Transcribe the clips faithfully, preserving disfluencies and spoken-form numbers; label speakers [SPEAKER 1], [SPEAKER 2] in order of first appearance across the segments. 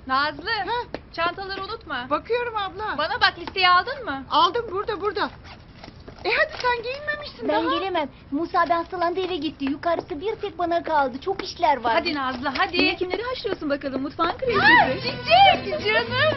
[SPEAKER 1] Nazlı,
[SPEAKER 2] Ha,
[SPEAKER 1] çantaları unutma.
[SPEAKER 2] bakıyorum abla.
[SPEAKER 1] Bana bak, listeyi aldın mı?
[SPEAKER 2] Aldım, burada burada. E hadi, sen giyinmemişsin
[SPEAKER 3] Ben
[SPEAKER 2] daha.
[SPEAKER 3] gelemem. Musa abi hastalandı, eve gitti. Yukarısı bir tek bana kaldı. Çok işler var.
[SPEAKER 1] Hadi Nazlı, hadi.
[SPEAKER 3] Yine kimleri haşlıyorsun bakalım, mutfağın
[SPEAKER 1] Ha,
[SPEAKER 3] kraliçesi.
[SPEAKER 1] Çiçek, canım.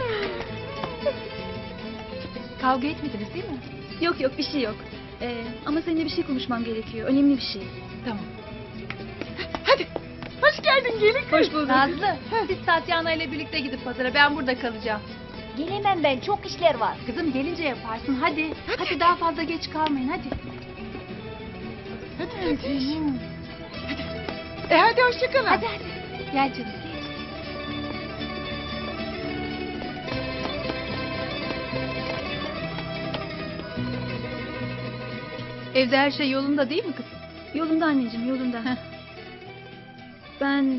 [SPEAKER 1] Kavga etmediniz değil mi?
[SPEAKER 3] Yok yok, bir şey yok. Ee, ama seninle bir şey konuşmam gerekiyor. Önemli bir şey.
[SPEAKER 1] Tamam.
[SPEAKER 2] Hadi, hoş geldin gelin kız.
[SPEAKER 3] Hoş bulduk.
[SPEAKER 1] Nazlı, siz Tatyana ile birlikte gidip pazara, ben burada kalacağım.
[SPEAKER 3] Gelemem ben, çok işler var.
[SPEAKER 1] Kızım gelince yaparsın, hadi. Hadi, daha fazla geç kalmayın, hadi.
[SPEAKER 2] Hadi hadi. E hadi, hoşça kalın.
[SPEAKER 1] Hadi hadi. Gel canım. Evde her şey yolunda değil mi kızım?
[SPEAKER 3] Yolunda anneciğim, yolunda.
[SPEAKER 1] Heh.
[SPEAKER 3] Ben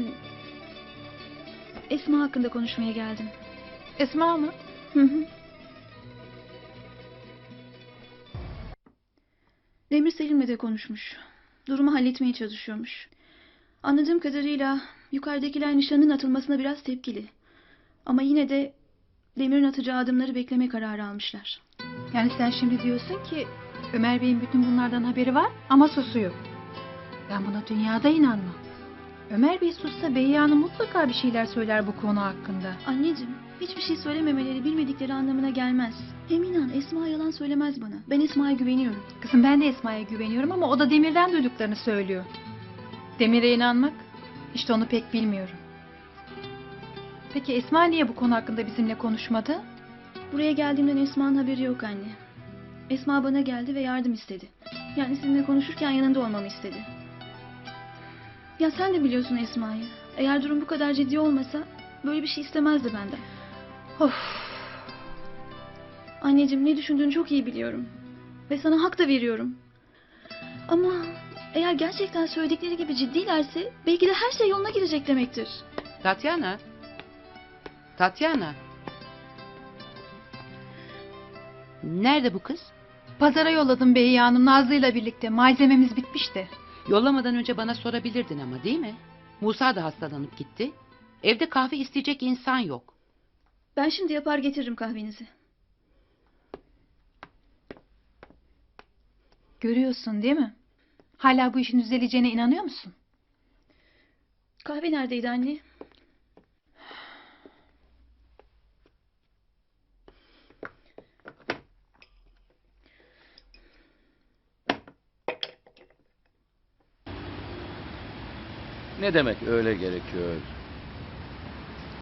[SPEAKER 3] Esma hakkında konuşmaya geldim.
[SPEAKER 1] Esma mı?
[SPEAKER 3] Hı hı. Demir Selim'le de konuşmuş. Durumu halletmeye çalışıyormuş. Anladığım kadarıyla yukarıdakiler nişanın atılmasına biraz tepkili. Ama yine de Demir'in atacağı adımları bekleme kararı almışlar.
[SPEAKER 1] Yani sen şimdi diyorsun ki Ömer Bey'in bütün bunlardan haberi var ama susuyor. Ben buna dünyada inanmam. Ömer Bey sussa Behiye Hanım mutlaka bir şeyler söyler bu konu hakkında.
[SPEAKER 3] Anneciğim, hiçbir şey söylememeleri bilmedikleri anlamına gelmez. Hem inan, Esma yalan söylemez bana. Ben Esma'ya güveniyorum.
[SPEAKER 1] Kızım, ben de Esma'ya güveniyorum ama o da Demir'den duyduklarını söylüyor. Demir'e inanmak, işte onu pek bilmiyorum. Peki Esma niye bu konu hakkında bizimle konuşmadı?
[SPEAKER 3] Buraya geldiğimden Esma'nın haberi yok anne. Esma bana geldi ve yardım istedi. Yani sizinle konuşurken yanında olmamı istedi. Ya sen de biliyorsun Esma'yı. Eğer durum bu kadar ciddi olmasa böyle bir şey istemezdi benden.
[SPEAKER 1] Of.
[SPEAKER 3] Anneciğim, ne düşündüğünü çok iyi biliyorum. Ve sana hak da veriyorum. Ama eğer gerçekten söyledikleri gibi ciddilerse belki de her şey yoluna girecek demektir.
[SPEAKER 4] Tatyana. Tatyana. Nerede bu kız?
[SPEAKER 1] Pazara yolladım Behiye Hanım Nazlı'yla birlikte. Malzememiz bitmişti.
[SPEAKER 4] Yollamadan önce bana sorabilirdin ama, değil mi? Musa da hastalanıp gitti. Evde kahve isteyecek insan yok.
[SPEAKER 3] Ben şimdi yapar getiririm kahvenizi.
[SPEAKER 1] Görüyorsun değil mi? Hala bu işin düzeleceğine inanıyor musun?
[SPEAKER 3] Kahve neredeydi anne?
[SPEAKER 5] Ne demek öyle gerekiyor?